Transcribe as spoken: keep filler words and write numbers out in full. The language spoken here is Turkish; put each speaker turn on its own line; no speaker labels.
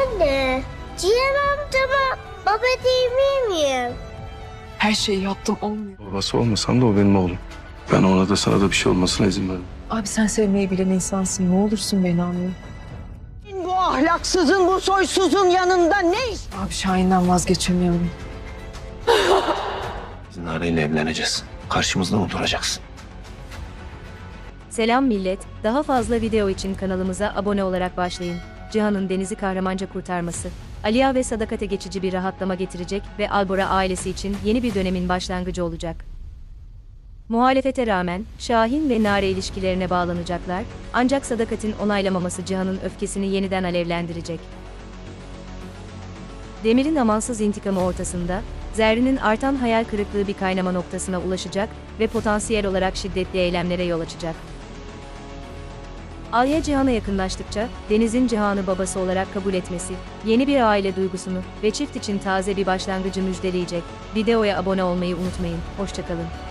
Anne, Cihan amcama baba değil miyim?
Her şeyi yaptım, olmuyor.
Babası olmasam da o benim oğlum. Ben ona da sana da bir şey olmasına izin vermem.
Abi sen sevmeyi bilen insansın. Ne olursun beni anla.
Bu ahlaksızın, bu soysuzun yanında ne iş?
Abi Şahin'den vazgeçemiyorum.
Biz Nare'yle evleneceğiz. Karşımızda mı duracaksın?
Selam millet, daha fazla video için kanalımıza abone olarak başlayın. Cihan'ın Deniz'i kahramanca kurtarması, Aliya ve Sadakat'e geçici bir rahatlama getirecek ve Albora ailesi için yeni bir dönemin başlangıcı olacak. Muhalefete rağmen Şahin ve Nare ilişkilerine bağlanacaklar, ancak Sadakat'in onaylamaması Cihan'ın öfkesini yeniden alevlendirecek. Demir'in amansız intikamı ortasında, Zerrin'in artan hayal kırıklığı bir kaynama noktasına ulaşacak ve potansiyel olarak şiddetli eylemlere yol açacak. Alya Cihan'a yakınlaştıkça, Deniz'in Cihan'ı babası olarak kabul etmesi, yeni bir aile duygusunu ve çift için taze bir başlangıcı müjdeleyecek. Videoya abone olmayı unutmayın. Hoşça kalın.